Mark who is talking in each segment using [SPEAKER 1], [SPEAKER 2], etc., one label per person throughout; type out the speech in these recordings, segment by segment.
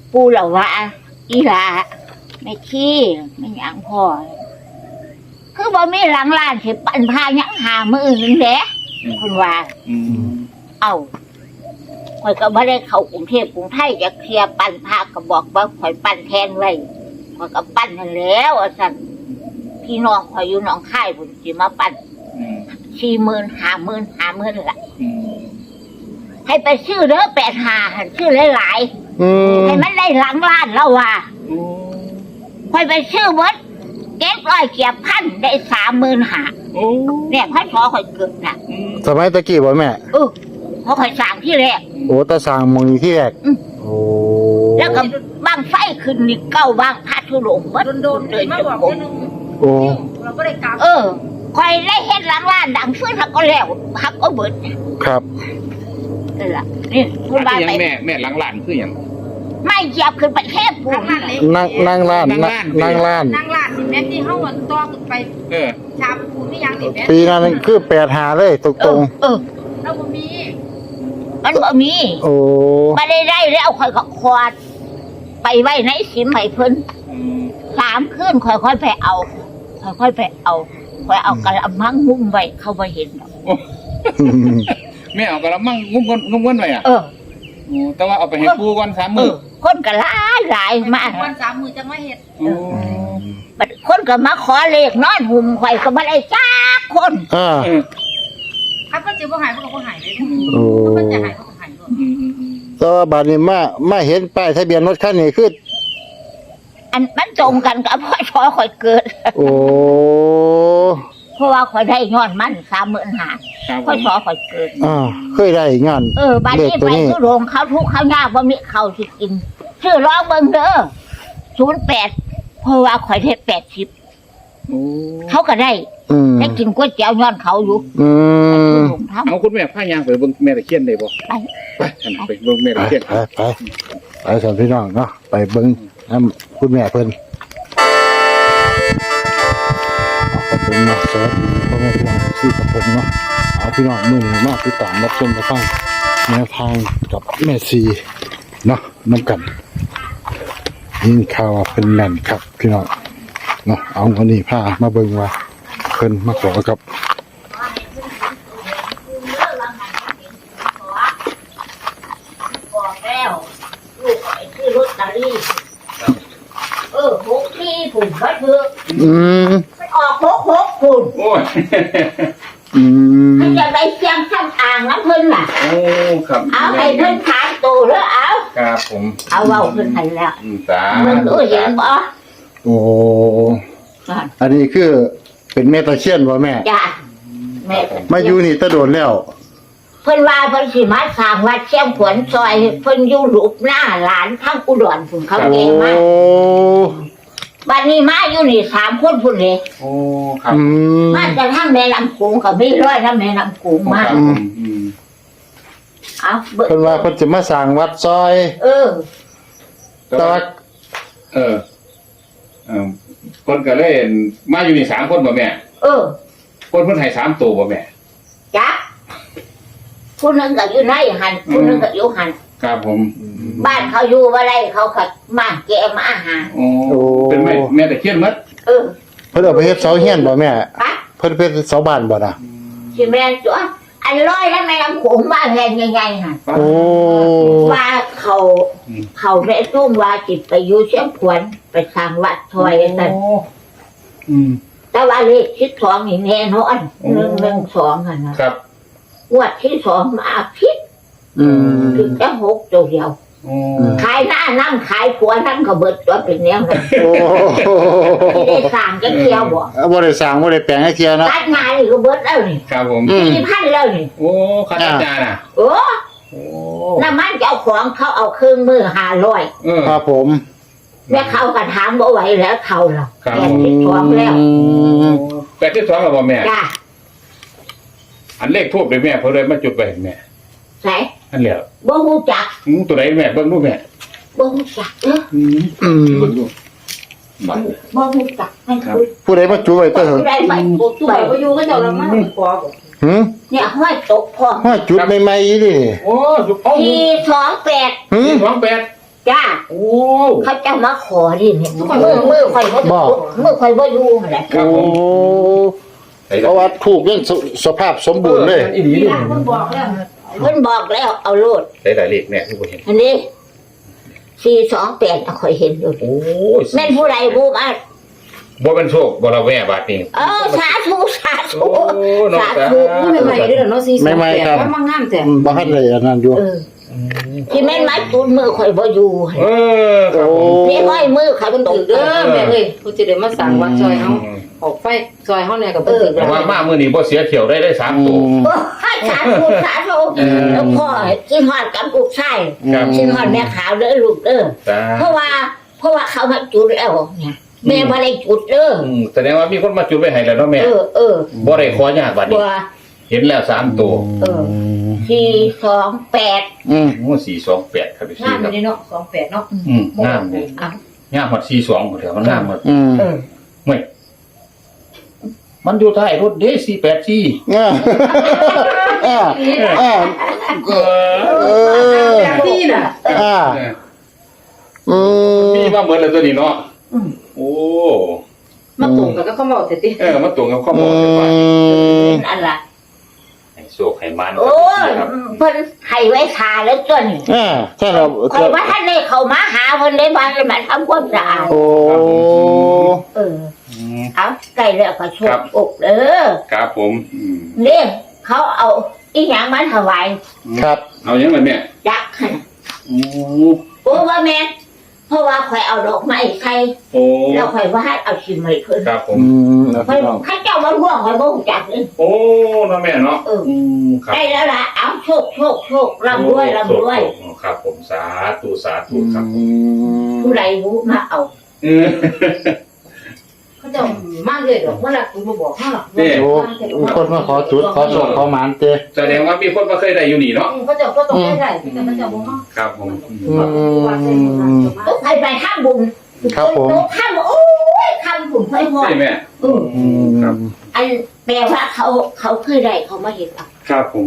[SPEAKER 1] ปูเหล่าว่าอีหลาไม่ขี้ไม่หยังพอคือบ่มีหลังล้านสิปั่นพายังหามืออื่นแหละคุณว่าเอาข่อยก็บ่ได้เข้ากรุงเทพกรุงไทยจะเคลียร์ปั่นพาก็บอกว่าข่อยปั่นแทนไว้ข่อยก็ปั่นนั่นแล้วสั่นพี่น้องข่อยอยู่หนองคายพุ่นสิมาปั่น40,000 50,000ล่ะให้ไปซื้อเด้อ85หั่นซื้อหลายๆให้มันได้หลังล้านแล้วว่าข่อยไปซื้อเบิด700เกียบพันได้35,000เนี่ยพ่อขอข่อยเกิดน่ะ
[SPEAKER 2] สมัยตะกี้บ่แม่
[SPEAKER 1] เพราะข่อยสั่งที่แรก
[SPEAKER 2] โอ้ตะสร้างมองนี้ที่แรกโอ้
[SPEAKER 1] แล้วก็บางไฟขึ้นนี่เก้าบางพระธุดงค์เบิดโดนเลยมาบอกนึง
[SPEAKER 2] โอ้
[SPEAKER 1] เราก็ได้กราบข่อยได้เฮ็ดหลังล้านดังฟื้นทักก็แล้วทักก็เบิด
[SPEAKER 2] ครับ
[SPEAKER 1] นั่นล่ะนี่คุณบ้านไป
[SPEAKER 3] แม่หลังล้านคือหยัง
[SPEAKER 1] ไม่เหยียบขึ้นไปแค่ปู
[SPEAKER 2] นั่งล้าน
[SPEAKER 1] นั่งล้านนี่แม่ที่เฮาต่อขึ้นไปชาปูนี่ยังนี่แม่
[SPEAKER 2] ปีนั้นคือ85เลยตรง
[SPEAKER 1] เราบ่มีมันบ่มี
[SPEAKER 2] โอ้
[SPEAKER 1] บ่ได้แล้วข่อยก็ควาดไปไว้ในสิมให้เพิ่น3คืนค่อยๆไปเอาค่อยๆไปเอาค่อยเอากระมังงุ้มไว้เขาบ่เห็นดอก
[SPEAKER 3] แม่เอากระมังงุ้มไว้อ่ะแต่ว่าเอาไปให้ปูก่อน3 มื้อ
[SPEAKER 1] คนก็หลายมาก
[SPEAKER 4] วัน3 มื้อจังมาเฮ็ด
[SPEAKER 1] บัดคนก็มาขอเลขนอนหุ่มข่อยก็บ่ได้จักคน
[SPEAKER 4] ถ้าเพิ่นสิบ่หายเพิ่นก็บ่หายเลยเพิ่นจะหายเพิ่นก็หายด้วย
[SPEAKER 2] แต่ว่าบัดนี้มาเห็นป้ายทะเบียนรถคันนี้คือ
[SPEAKER 1] อันมันตรงกันกับพ่อชอข่อยเกิด
[SPEAKER 2] โอ้
[SPEAKER 1] เพราะว่าข่อยได้ย้อนมัน35,000พ่อชอข่อยเกิด
[SPEAKER 2] เคยได้งาน
[SPEAKER 1] บัดนี้ไปทุโรงเขาทุกข์เขายากบ่มีข้าวสิกินชื่อร้องเบิ่งเด้อ08เพราะว่าข่อยได้80เขาก็ได้กินก๋วยเตี๋ยวย้อนเขาอยู่
[SPEAKER 3] เอาคุณแม่พายางไปเบิ่งแม่ตะเคียนได้บ่ไปเบิ่งแม่ตะเคียน
[SPEAKER 2] ไปสอนพี่น้องเนาะไปเบิ่งน้ำคุณแม่เพิ่นขอบคุณนะสวัสดีพ่อแม่พี่น้องที่กับผมเนาะเอาพี่น้องมื้อนี้มาติดตามรับชมรับฟังแนวทางกับแม่ซีเนาะน้ำกันยินข่าวเป็นแม่นครับพี่น้องเนาะเอาวันนี้พามาเบิ่งว่าเพิ่นมาขอกับ
[SPEAKER 1] ลอตเตอรี่6ที่ผุ่นก็คือมันออก6ผุ่น
[SPEAKER 3] โอ้ย
[SPEAKER 1] มันจะไปเชียงข้างอ่างน้ำเพิ่นล่ะ
[SPEAKER 3] โอ้ครับ
[SPEAKER 1] เอาให้เพิ่นขายตัวแล้วเอา
[SPEAKER 3] ครับผม
[SPEAKER 1] เอาเว้าเพิ่นให้แล้ว
[SPEAKER 3] มัน
[SPEAKER 1] เห็นบ่
[SPEAKER 2] โอ้อันนี้คือเป็นแม่ตะเคียนบ่แม่
[SPEAKER 1] จ้ะแม่
[SPEAKER 2] มาอยู่นี่ตะโดนแล้ว
[SPEAKER 1] เพิ่นว่าเพิ่นสิมาสร้างวัดเชียงขวนซอยเพิ่นอยู่ลูกหน้าหลานทั้งอุดรพุ่นเขาเก่งมากบัดนี้มาอยู่นี่3คนพุ่นเลย
[SPEAKER 3] โอ้ครับ
[SPEAKER 1] มาจากทางแม่ลำโขงก็มีร้อยทางแม่ลำโขงมาเอา
[SPEAKER 2] เพิ่นว่าเพิ่นสิมาสร้างวัดซอยแต่ว่า
[SPEAKER 3] คนก็เลยมาอยู่นี่3คนบ่แม่คนเพิ่นให้3ตัวบ่แม่
[SPEAKER 1] จ้ะผู้นึงก็อยู่ในหันผู้นึงก็อยู่หัน
[SPEAKER 3] ครับผม
[SPEAKER 1] บ้านเขาอยู่ว่าไรเขาขัดมาแกมาอาหาร
[SPEAKER 3] โอ้เป็นแม่ตะเคียนมั้ย
[SPEAKER 2] เพิ่นเอาไปเฮ็ดเสาเฮียนบ่แม่เพิ่นเป็นเสาบ้านบ่น่ะ
[SPEAKER 1] สิแม่นจ้ะอันร้อยแล้วแม่ลำโขงมาแพงใหญ่ๆหั่น
[SPEAKER 2] โอ้
[SPEAKER 1] ว่าเขาแม่ตุ้มว่าจิตไปอยู่เชียงขวนไปสร้างวัดถอยนั่นแต่ว่าเลข12นี่แน่นอน112หั่นนะครับงวดที่2มาผิดถึงจะ6ตัวเดียวขายหน้านั่งขายผัวนั่งก็เบิดตัวเป็นแนวนั้นไม่ได้สั่งจะเที่ยวบ่
[SPEAKER 2] ได้สั่งบ่ได้แปลงให้เที่ยวนะ
[SPEAKER 1] ตัดงานนี่ก็เบิดแล้วนี่
[SPEAKER 3] ครับผม
[SPEAKER 1] 4,000แล้วนี่
[SPEAKER 3] โอ้ค่าจัดจานน่ะ
[SPEAKER 1] น้ำมันเจ้าของเขาเอาเครื่องมือ500
[SPEAKER 2] ครับผม
[SPEAKER 1] แม่เขาก็ถามบ่ไหวแล้วเขาล่ะ82แล้ว
[SPEAKER 3] 82แล้วบ่แม่
[SPEAKER 1] จ้ะ
[SPEAKER 3] อันเลขทูบเลยแม่เพิ่นเลยมาจุดไปแม่
[SPEAKER 1] ใช่
[SPEAKER 3] อันแล้ว
[SPEAKER 1] บ่ฮู้จัก
[SPEAKER 3] ตัวไหนแม่เบิ่งดูแม่
[SPEAKER 1] บ่ฮู้จักบ่ฮู้จัก
[SPEAKER 2] ผู้ใดมาจุไว้เด้อ
[SPEAKER 1] ผู้ใดไปจุไว้บ่อยู่ก็เจ้าละมาขอเนี่ยห้อยตกพอ
[SPEAKER 2] ห้อยจุดใหม่ๆดิ
[SPEAKER 3] โอ้428
[SPEAKER 1] จ้า
[SPEAKER 3] โอ้
[SPEAKER 1] เขาจะมาขอดิเนี่ยมือข่อยบ่อยู่แหละ
[SPEAKER 3] ครับ
[SPEAKER 2] โอ้
[SPEAKER 3] ผม
[SPEAKER 2] เพราะว่าถูกยังสภาพสมบูรณ์เลย
[SPEAKER 3] อีหลี
[SPEAKER 4] นี่
[SPEAKER 3] นี่
[SPEAKER 4] ล่ะมันบอกแล้ว
[SPEAKER 1] เพิ่นบอกแล้วเอาโลด
[SPEAKER 3] ได้หลายเลขแม่ที่บ่เห็น
[SPEAKER 1] อันนี้428ข่อยเห็นอยู่
[SPEAKER 3] โอ้ย
[SPEAKER 1] แม่นผู้ใดผู้มา
[SPEAKER 3] บ่เป็นโชคบ่ละแว่บาดนี้
[SPEAKER 1] สาธุสาธุ
[SPEAKER 3] โอ้น้อง
[SPEAKER 1] สา
[SPEAKER 3] สา
[SPEAKER 1] ธุ
[SPEAKER 4] มันใหม่ๆเด้อเนาะ428มันมางามแต่
[SPEAKER 2] บ้านเลยอันนั้นอยู่
[SPEAKER 1] ที่แม่นไม้ตูนมือข่อยบ่อยู่
[SPEAKER 3] ครับผม
[SPEAKER 1] นี่ห้อยมือข่อยมัน
[SPEAKER 4] ต
[SPEAKER 1] ต
[SPEAKER 4] ก
[SPEAKER 1] ก
[SPEAKER 4] เด้อแม่เอ้ยกูจะได้มาสั่งวัดซอยเฮาออกไฟซอยเฮาเนี่ยก็บ่ถึก
[SPEAKER 3] แต่
[SPEAKER 4] แล้ว
[SPEAKER 3] ว่ามามื้อนี้บ่เสียเที่ยวได้3ตัว
[SPEAKER 1] สาธุสาธุแล้วพ่อที่ฮอดกับลูกชาย
[SPEAKER 3] ครับ
[SPEAKER 1] ที่ฮอดแม่ขาวเด้อลูกเด้อ
[SPEAKER 3] จ้า
[SPEAKER 1] เพราะว่าเขามาจุดแล้วเนี่ยแม่บ่ได้จุดเด้อ
[SPEAKER 3] แสดงว่ามีคนมาจุดไว้ให้แล้วเนาะแม่ บ่ได้ขอยากบาดนี้
[SPEAKER 1] บัว
[SPEAKER 3] เห็นแล้ว3ตัว
[SPEAKER 1] 428
[SPEAKER 3] โอ้428ครับพี่
[SPEAKER 4] งาม
[SPEAKER 3] ครับ
[SPEAKER 4] นี่เนาะ28เนาะ
[SPEAKER 3] งามเลย
[SPEAKER 1] อ้าว
[SPEAKER 3] งามฮอด42พุ่นแถวมันงามหมด
[SPEAKER 1] เออ
[SPEAKER 3] เฮ้ยมันอยู่ท้ายรถเด้484
[SPEAKER 4] ที่น่ะ
[SPEAKER 3] มีมาเหมือนแล้วตัวนี้เนาะโอ้
[SPEAKER 4] มาตรงกันก็เขาบอกแต่ติ
[SPEAKER 3] มาตรงกับข้อมูลเลยว่า
[SPEAKER 1] อันละ
[SPEAKER 3] ให้โชคให้มัน
[SPEAKER 1] โอ้ยเพิ่นให้ไว้ทาแล้วจน
[SPEAKER 2] ใช่เรา
[SPEAKER 1] คอยว่าท่านได้เข้ามาหาเพิ่นได้บ้านเลยมาทำความสะอาด
[SPEAKER 2] โอ้
[SPEAKER 1] เอาใกล้แล้วก็โชคอกเด้อ
[SPEAKER 3] ครับผม
[SPEAKER 1] นี่เขาเอาอีหยังมาถวาย
[SPEAKER 2] ครับ
[SPEAKER 3] เอายังไงเนี่ย
[SPEAKER 1] จักหั่นโอ้ว่าแม่เพราะว่าข่อยเอาดอกไม้ใส่
[SPEAKER 3] โอ้
[SPEAKER 1] แล้วข่อยว่าให้เอาชิมให้เพิ่น
[SPEAKER 3] ครับผม
[SPEAKER 1] ข่อยข้าเจ้ามาร่วงข่อยบ่รู้จักเลย
[SPEAKER 3] โอ้น้องแม่เนาะครับ
[SPEAKER 1] ได้แล้วล่ะเอาโชคร่ำรวย
[SPEAKER 3] ครับผมสาธุสาธุครับ
[SPEAKER 1] ผู้ใดรู้มาเอา
[SPEAKER 4] เขาจะมาเลยดอกว่าล่ะกูบ่บอกเฮาหรอก
[SPEAKER 2] โอ้คนมาขอจุดขอโชคขอหมานเจ้
[SPEAKER 3] แสดงว่ามีคนมาเคยได้อยู่นี่เนาะ
[SPEAKER 4] เขาจะก็ต้องได้แต่เขาจะบ่เฮา
[SPEAKER 3] ครับผม
[SPEAKER 1] ต้องไปทำบุญ
[SPEAKER 2] ครับผม
[SPEAKER 1] ต้องทำโอ้ยทำบุญค่อยพอ
[SPEAKER 3] ใช่ไหม ครับ
[SPEAKER 1] อันแปลว่าเขาเคยได้เขามาเห็นอ่ะ
[SPEAKER 3] ครับผม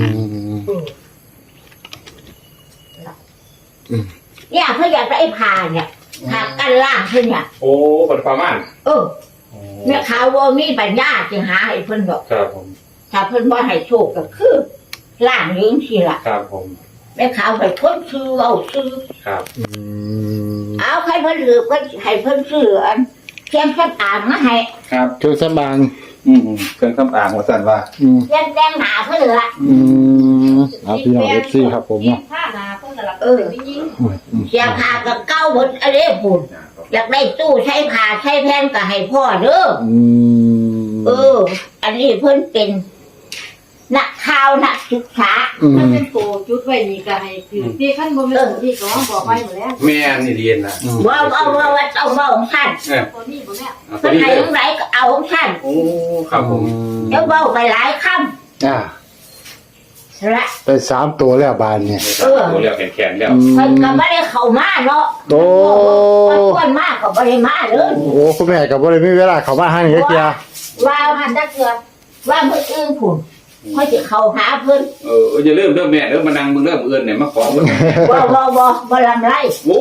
[SPEAKER 1] เนี่ยเขาอยากได้พาเนี่ยทางกันล่างเพิ่นเนี่ย
[SPEAKER 3] โอ้ปัดประมาณ
[SPEAKER 1] เนี่ยเขาว่ามีปัญญาจึงหาให้เพิ่นดอก
[SPEAKER 3] ครับผม
[SPEAKER 1] ถ้าเพิ่นบ่ให้โชคก็คือล่างยืงทีละ
[SPEAKER 3] ครับผม
[SPEAKER 1] แล้วเขาให้เพิ่นซื้อเอาซื้อ
[SPEAKER 3] ครับ
[SPEAKER 1] เอาให้เพิ่นถือเพิ่นให้เพิ่นซื้ออันเทียมสักอ่างมาให้
[SPEAKER 3] ครับ
[SPEAKER 2] เครื่องสำอาง
[SPEAKER 3] เครื่องคำอ่างหัวสันว่า
[SPEAKER 1] เทียมแดงหนาเพิ่นละ
[SPEAKER 2] เอาพี่น้องFC ครับผมเนาะ
[SPEAKER 4] ผ้าหนาเพิ่นก็ละยิง
[SPEAKER 1] เสียผ้ากับเก้าหมดอะไรพุ่นอยากได้ตู้ใช้ผ้าใช้แผ่นก็ให้พ่อเด้ออันนี้เพิ่นเป็นนักข่าวนักศึกษา
[SPEAKER 4] มันเป็นโตจุดไว้นี่ก็ให้คือที่ขั้นบ่แม่นที่ก็บอกไว้หมดแล้ว
[SPEAKER 3] แม่นี่เรียนนะ
[SPEAKER 1] ว่าต้องว่าของท่าน
[SPEAKER 4] ตัวนี้บ่แม่
[SPEAKER 1] เพิ่นให้ของไหนก็เอาของท่าน
[SPEAKER 3] โอ้ครับผม
[SPEAKER 1] เดี๋ยวเว้าไปหลายคำละ
[SPEAKER 2] ไป3ตัวแล้วบานเนี่ย
[SPEAKER 3] ตัวเรียวแข็งๆแล้ว
[SPEAKER 1] เพิ่นก็บ่ได้เข้ามาเนาะ
[SPEAKER 2] โอ้
[SPEAKER 1] ควรมากก็บ่ได้มาเด้อ
[SPEAKER 2] โอ้คุณแม่ก็บ่ได้มีเวลาเข้ามาหานี่เจ้า
[SPEAKER 1] ว่าหันจักเทื่อว่าเพิ่นอื่นพุ่นเขาสิเข้าหาเพิ่น
[SPEAKER 3] อย่าเริ่มแม่เริ่มมานั่งมึงเริ่มเอื้อนเนี่ยมาขอมึง
[SPEAKER 1] บ่ลำไร
[SPEAKER 3] โอ้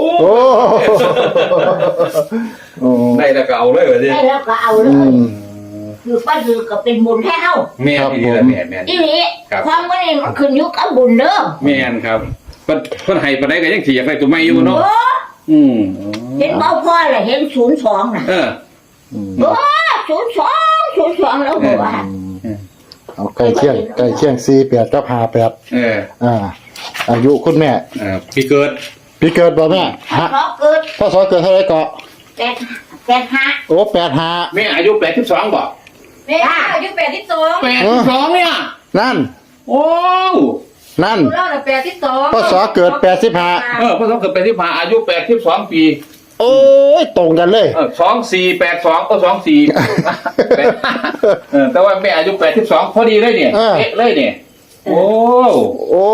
[SPEAKER 2] โอ้
[SPEAKER 3] ได้แล้วก็เอาเลยว่าสิ
[SPEAKER 1] ได้แล้วก็เอาเลยคือป้าคือก็เป็นบุญให้เฮา
[SPEAKER 3] แม่นี่ละแม่
[SPEAKER 1] อีนี้ความว่านี่มันขึ้นอยู่กับบุญเด้อ
[SPEAKER 3] แม่นครับเพิ่นให้ปานใดก็ยังสิอยากได้ตัวใหม่อยู่เนาะ
[SPEAKER 1] เห็นเบาพ่อแหละเห็น02น่ะ02แล้วบ่ว่า
[SPEAKER 2] เอาใกล้เคียง48กับ58อายุคุณแม่
[SPEAKER 3] พี่เกิด
[SPEAKER 2] ปีเกิดบ่แม่ฮะ
[SPEAKER 1] เพราะเกิด
[SPEAKER 2] พศเกิดเท่าไหร่ก็
[SPEAKER 1] 85
[SPEAKER 2] โอ้85
[SPEAKER 3] แม่อายุ82บ่
[SPEAKER 4] แม่อายุ82
[SPEAKER 3] 82เนี่ย
[SPEAKER 2] นั่น
[SPEAKER 3] โอ้
[SPEAKER 2] นั่น
[SPEAKER 4] เราน่ะ82
[SPEAKER 2] พศเกิด85
[SPEAKER 3] พศเกิด85อายุ82ปี
[SPEAKER 2] โอ้ยตรงกันเลย
[SPEAKER 3] 2482ก็24แต่ว่าแม่อายุ82พอดีเลยเนี่ยเอ๊ะเลยเนี่ยโอ้
[SPEAKER 2] โอ้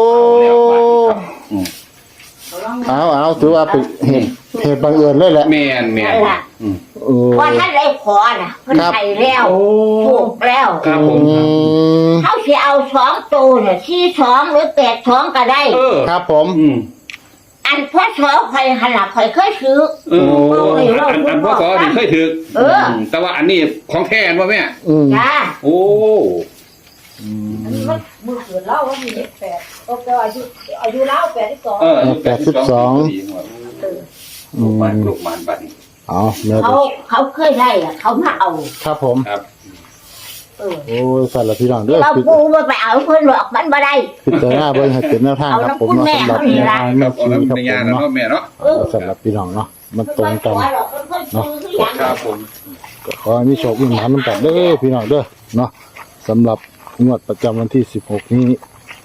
[SPEAKER 2] เอาถือว่าเป็นเหตุบังเอิญเลยแหละ
[SPEAKER 3] แม่น
[SPEAKER 1] ว่าท่านได้ขอน่ะเพิ่นให้แล้วถูกแล้ว
[SPEAKER 3] ครับผม
[SPEAKER 1] เขาสิเอา2ตัวเนี่ย42หรือ82ก็ได้
[SPEAKER 2] ครับผม
[SPEAKER 1] อันอันพ่อสอคอยหันหลังคอยเคยซื้อ
[SPEAKER 3] อันพ่อสอนี่เคยถือ
[SPEAKER 1] เออ
[SPEAKER 3] แต่ว่าอันนี้ของแท้อันว่าแม่
[SPEAKER 1] จ้า
[SPEAKER 3] โอ้
[SPEAKER 4] อันนี้มันมือเกิดเล่าว่ามีเด็กแปดแต่อายุเล่า82
[SPEAKER 3] ลูกมันบัดนี้
[SPEAKER 2] เอาแม่
[SPEAKER 1] เขาเคยได้อะเขามาเอา
[SPEAKER 2] ครับผม
[SPEAKER 3] ครับ
[SPEAKER 2] โอ้ยสั่นละพี่น้องเด้อ
[SPEAKER 1] เราปูมาไปเอาเพิ่นหรอกมันบ่ได้
[SPEAKER 2] พิจารณาเบิ่งให้เป็นแนวทางครับผมเนาะสำหรับแนวทางแม่
[SPEAKER 3] เอา
[SPEAKER 2] ชี
[SPEAKER 3] แล้ว
[SPEAKER 2] ครับ
[SPEAKER 3] ใน
[SPEAKER 2] ผ
[SPEAKER 3] ยาม นะ
[SPEAKER 2] เนาะ
[SPEAKER 3] เนาะแม่เนาะ
[SPEAKER 2] สำหรับพี่น้องเนาะมันตรงกันเนาะ
[SPEAKER 3] ครับผม
[SPEAKER 2] ก็ขอให้มีโชคมีหมานนำกันเด้อพี่น้องเด้อเนาะสำหรับงวดประจำวันที่16นี้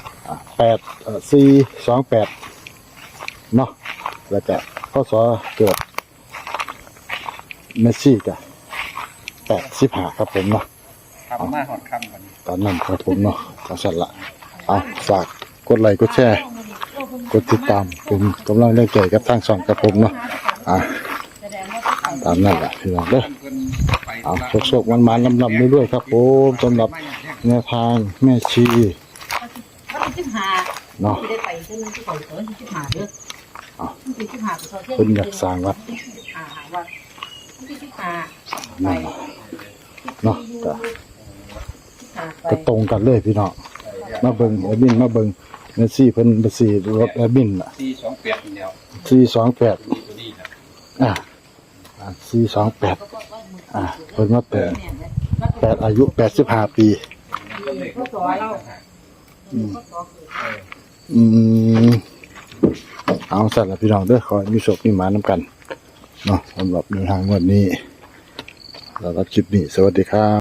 [SPEAKER 2] 428เนาะแล้วก็พศเกิดเมสซี่ก็85ครับผมเนาะ
[SPEAKER 3] ครับมาหอดค่ำกัน
[SPEAKER 2] ตอนนั้นครับผมเนาะจังสั่นละเอาฝากกดไลค์กดแชร์กดติดตามเป็นกำลังแรงใจกับทางช่องครับผมเนาะตามนั้นแหละพี่น้องเด้อเอาโชคๆมันๆลำๆเรื่อยๆครับผมสำหรับแนวทางแม่ชี
[SPEAKER 4] มันสิ15
[SPEAKER 2] เนาะ
[SPEAKER 4] สิได้ไปซึ่งมันสิไปเถิน15เด้อมันสิ15ไปเที่ยว
[SPEAKER 2] เพิ่นอยากสร้างวัด
[SPEAKER 4] วัดมันสิ15ไป
[SPEAKER 2] นั่นล่ะเนาะก็ตรงกันเลยพี่น้องมาเบิ่งแอดมินมาเบิ่งแม่ชีเพิ่นบ่สิรถแอดมินน่ะ
[SPEAKER 3] 428เดียว
[SPEAKER 2] 428
[SPEAKER 3] ตัวนี้ครับ
[SPEAKER 2] 428เพิ่นมาแต่8อายุ85ปี
[SPEAKER 4] พ่อสอเรา
[SPEAKER 2] เอาสัตว์ละพี่น้องเด้อขอให้มีโชคมีหมานำกันเนาะสำหรับเดินทางวันนี้แล้วก็คลิปนี้สวัสดีครับ